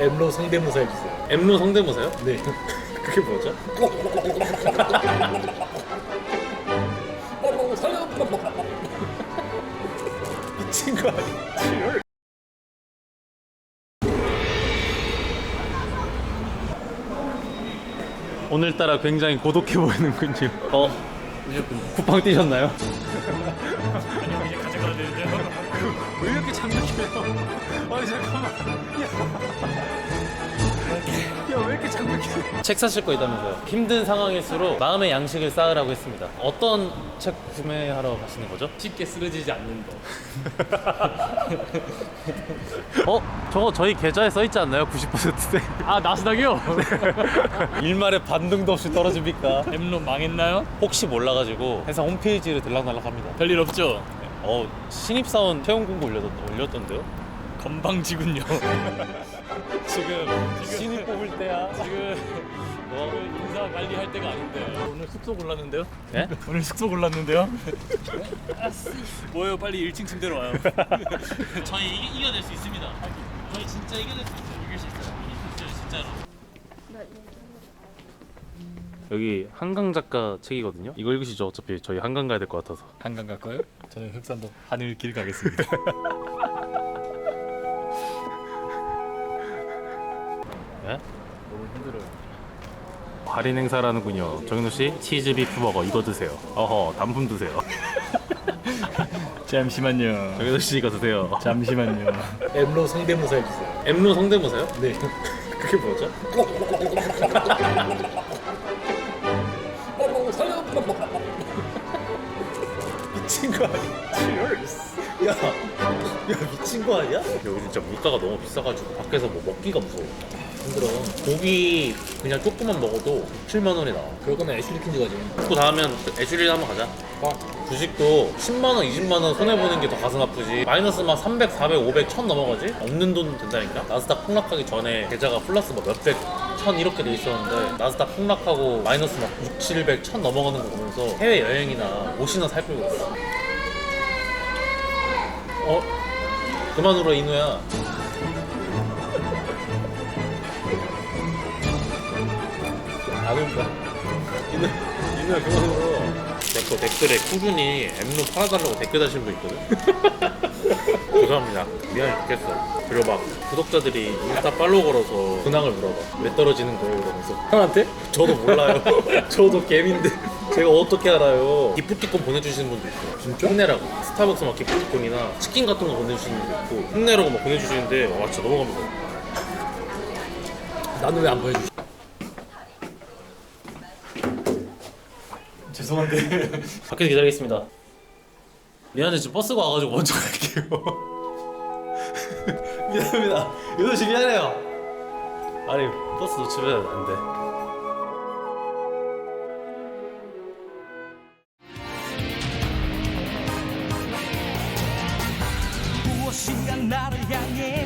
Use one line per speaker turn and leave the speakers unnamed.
엠로 성대모사 해주세요.
엠로 성대모사요?
네.
그게 뭐죠? 미친 거 아니야? 오늘따라 굉장히 고독해 보이는군요. 쿠팡 뛰셨나요?
아니요, 이제 가져가야 되는데요.
왜 이렇게 장난해요? 아니 잠깐만. 야 왜 이렇게 장난해? 책 사실 거 있다면서요? 힘든 상황일수록 마음의 양식을 쌓으라고 했습니다. 어떤 책 구매하러 가시는 거죠?
쉽게 쓰러지지 않는 거.
저거 저희 계좌에 써 있지 않나요? 90%대.
아, 나스닥이요?
일말에 반등도 없이 떨어집니까?
엠로 망했나요?
혹시 몰라가지고 회사 홈페이지를 들락날락합니다.
별일 없죠?
신입사원 채용 공고 올렸던데요?
건방지군요. 지금
신입 뽑을 때야.
오늘 인사 관리할 때가 아닌데. 오늘 숙소 골랐는데요?
네?
오늘 숙소 골랐는데요? 뭐예요? 빨리 1층 침대로 와요.
저희 이겨낼 수 있습니다. 저희 진짜 이겨낼 수 있어요. 이길 수 있어요. 이길 수 있어요, 진짜로. 여기 한강 작가 책이거든요. 이거 읽으시죠. 어차피 저희 한강 가야 될 것 같아서.
한강 갈까요? 저는 흑산도 하늘길 가겠습니다.
네?
너무 힘들어요.
할인 행사라는군요. 정인호 씨, 치즈 비프버거 이거 드세요. 단품 드세요.
잠시만요.
정인호 씨 이거 드세요.
잠시만요.
엠로 성대모사 해주세요.
엠로 성대모사요?
네.
그게 뭐죠?
미친 거 아니야? 야 미친 거 아니야?
여기 진짜 물가가 너무 비싸가지고 밖에서 뭐 먹기가 무서워.
힘들어.
고기 그냥 조금만 먹어도 7만 원이 나와.
그럴 거면 애슐리 킨즈 가지.
또 다음엔 애슐리 한번 가자. 주식도 10만 원, 20만 원 손해 보는 게 더 가슴 아프지. 마이너스 막 300, 400, 500, 1000 넘어가지? 없는 돈 된다니까. 나스닥 폭락하기 전에 계좌가 플러스 뭐 몇백, 1000 이렇게 돼 있었는데 나스닥 폭락하고 마이너스 막 6, 700, 1000 넘어가는 거 보면서 해외 여행이나 옷이나 살펴고 있어. 그만 울어 이누야. 안 울까? 이누야 그만 울어. 내 거 댓글에 꾸준히 엠로 팔아달라고 댓글 다신 분 있거든. 죄송합니다. 미안해 죽겠어. 그리고 막 구독자들이 인스타 팔로우 걸어서 근황을 물어봐. 왜 떨어지는 거예요? 이러면서.
형한테?
저도 몰라요.
저도 개민데.
제가 어떻게 알아요? 기프티콘 보내주시는 분도 있어요.
진짜?
힘내라고. 스타벅스 막 기프티콘이나 치킨 같은 거 보내주시는 분도 있고 힘내라고 막 보내주시는데 와 진짜 너무 감사해요.
나는 왜 안 보여주지?
죄송한데.
밖에서 기다리겠습니다. 미안해 지금 버스가 와가지고 먼저 갈게요. 미안합니다. 윤호 씨 미안해요. 아니 버스 놓치면 안 돼.
무엇인가 나를 향해